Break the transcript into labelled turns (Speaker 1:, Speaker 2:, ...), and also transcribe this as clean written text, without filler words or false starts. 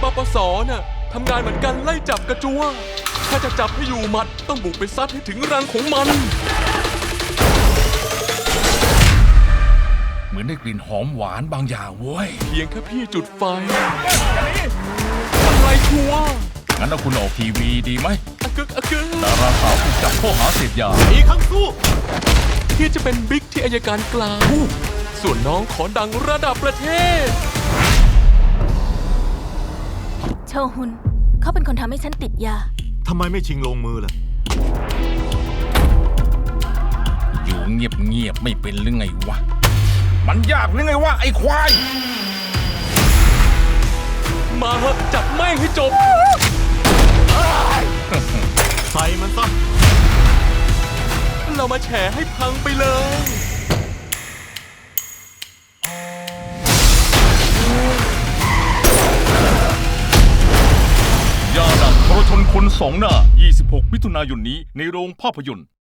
Speaker 1: ปสน่ะทำงานเหมือนกันไล่จับกระจัวถ้าจะจับให้อยู่หมัดต้องบุกไปซัดให้ถึงรังของมัน
Speaker 2: เหมือนได้กลิ่นหอมหวานบางอย่างเว้ย
Speaker 1: เพียงแค่พี่จุดไฟอะไรชัวร์
Speaker 2: งั้นเอาคุณออกทีวีดีไหม
Speaker 1: อะกึกอะกึก
Speaker 2: ดาราสาวถูกจับข้อหาเสพยา
Speaker 3: อีกครั้งสู้
Speaker 1: พี่จะเป็นบิ๊กที่อัยการกลางส่วนน้องขอดังระดับประเทศ
Speaker 4: โชฮุนเขาเป็นคนทำให้ฉันติดยา
Speaker 3: ทำไมไม่ชิงลงมือล่ะ
Speaker 2: อยู่เงียบๆไม่เป็นหรือไงวะ มันยากหรือไงวะไอ้ควาย
Speaker 1: มาเหอะจับแม่งให้จบ
Speaker 3: ใส่มันซะ
Speaker 1: เรามาแฉให้พังไปเลย
Speaker 2: ยาดับทรชนคนสองหน้า 26 มิถุนายนนี้ในโรงภาพยนตร์